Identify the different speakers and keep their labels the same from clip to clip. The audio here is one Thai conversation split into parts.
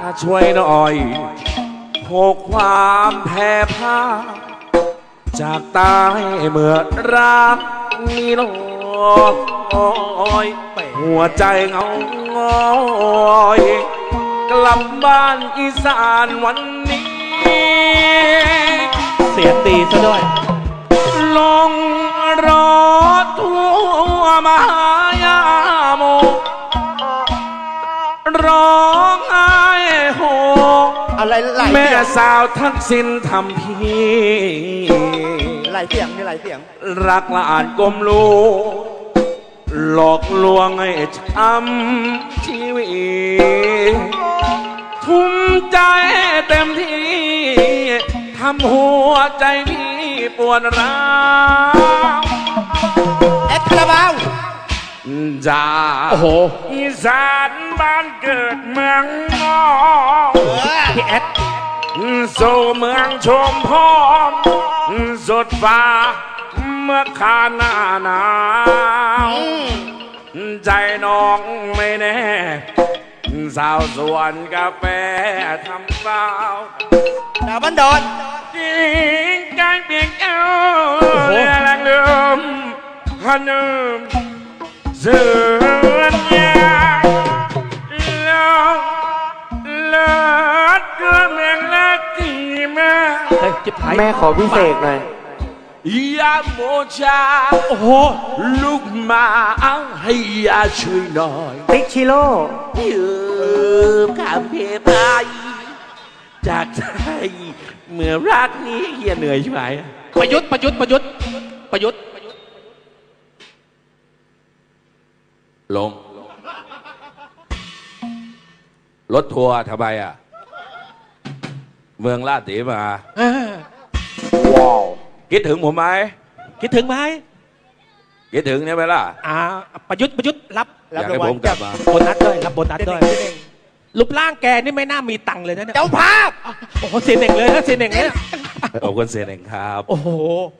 Speaker 1: ช่วยหน่อยโหกความแพ้พ่ายจากตายเมื่อรักมีลอยหัวใจเงาง้อยกลับบ้านอีสานวันนี้
Speaker 2: เสียงดีซะด้วย
Speaker 1: ลงรถทั่วมหายาโมร้องไห้โห
Speaker 3: อะไร
Speaker 1: แม่สาวทักษิณทำพี่
Speaker 3: หลายเสียงนี่หลายเสียง
Speaker 1: รักละอ่านกลมลูหลอกลวงให้ช้ำชีวิตทุ่มใจเต็มที่ทำหัวใจพี่ปวดร้าว
Speaker 3: แอดคาราบาว
Speaker 1: จาก
Speaker 2: โอ้โห
Speaker 1: อีสานบ้านเกิดเมืองนอ
Speaker 2: พี่แอด
Speaker 1: สู่เมืองชมพรสุดฟ้าเมื่อคาหน้าหนาวใจน้องไม่แน่สาวสวนกาแฟทำเปล่า
Speaker 3: ดาวบ้านดอน
Speaker 1: จิงใจเปียกเอ้าเรือแรงเลื่อมฮันนึมเสือนยางเลิศเรือเมืองเล็กที่มา
Speaker 2: แม่ขอพิเศษหน่อย
Speaker 1: ยาโมชา
Speaker 2: โอ้โห
Speaker 1: ลูกมาเอาให้ยาช่วยหน่อย
Speaker 2: ติ๊กชิโร่
Speaker 1: ยืมคำเพไปจากใจเมื่อรักนี้เฮียเหนื่อยใช่ไหม
Speaker 2: ประยุทธ์
Speaker 1: ลงรถทัวร์ทำไมอ่ะเมืองลาดสีมาว้าวคิดถึงผมไหม
Speaker 2: คิดถึงไหม
Speaker 1: คิดถึงเนี่ยไหมล่ะ
Speaker 2: ประยุทธ์รับ
Speaker 1: อยากให้ผมกลับมา
Speaker 2: โบนัสด้วยรับโบนัสด้วยรูปร่างแกนี่ไม่น่ามีตังค์เลยนะเนี่ย
Speaker 3: เจ้าภาพ
Speaker 2: โอ้โหเสียเน่งเลยนะเสียเน่งเลย
Speaker 1: ขอบคุณเสียเน่งครับ
Speaker 2: โอ้โห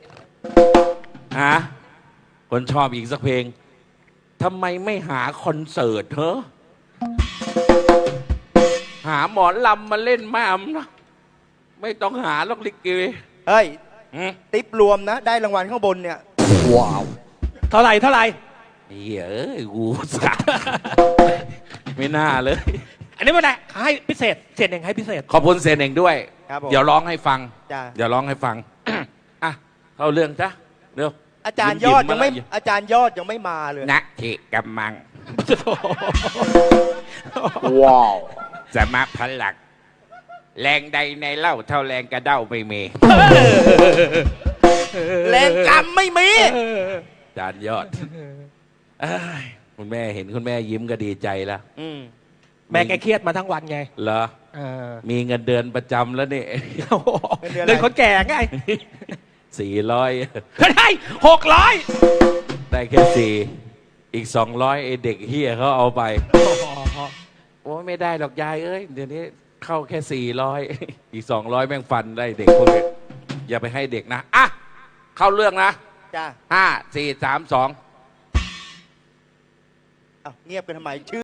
Speaker 1: คนชอบอีกสักเพลงทำไมไม่หาคอนเสิร์ตเหรอหาหมอลำมาเล่นแม่นะไม่ต้องหาล็อกลิเก
Speaker 3: เฮ้ยติ๊บรวมนะได้รางวัลข้างบนเนี่ย
Speaker 1: ว้าว
Speaker 2: เท่าไหร่
Speaker 1: เฮ้ยกูสักไม่น่าเลย
Speaker 2: อันนี้ไม่ได้ให้พิเศษเสียเน่งให้พิเศษ
Speaker 1: ขอบคุณเสียเน่งด้วยเดี๋ยวร้องให้ฟังเข้าเรื่องจ้ะเร็ว
Speaker 3: อาจารย์ยอดยังไม่มาเลย
Speaker 1: นักเทกำมังว้าวสมาพลักแรงใดในเล่าเท่าแรงกระเด้าไม่มี
Speaker 3: แรงกำไม่มี
Speaker 1: อาจารย์ยอดคุณแม่เห็นคุณแม่ยิ้มก็ดีใจแล้ว
Speaker 2: แม่แกเครียดมาทั้งวันไง
Speaker 1: เหรอมีเงินเดือนประจำแล้วนี่
Speaker 2: เดือนคนแก่ไง
Speaker 1: 400
Speaker 2: ได้600
Speaker 1: ได้แค่4อีก200ไอเด็กเฮียเขาเอาไปโอ้ไม่ได้หรอกยายเอ้ยเดี๋ยวนี้เข้าแค่400อีก200แม่งฟันได้เด็กพวกนี้อย่าไปให้เด็กนะเข้าเรื่องนะ
Speaker 3: จ้า
Speaker 1: 5 4 3 2
Speaker 3: เงียบกันทำไมชื่อ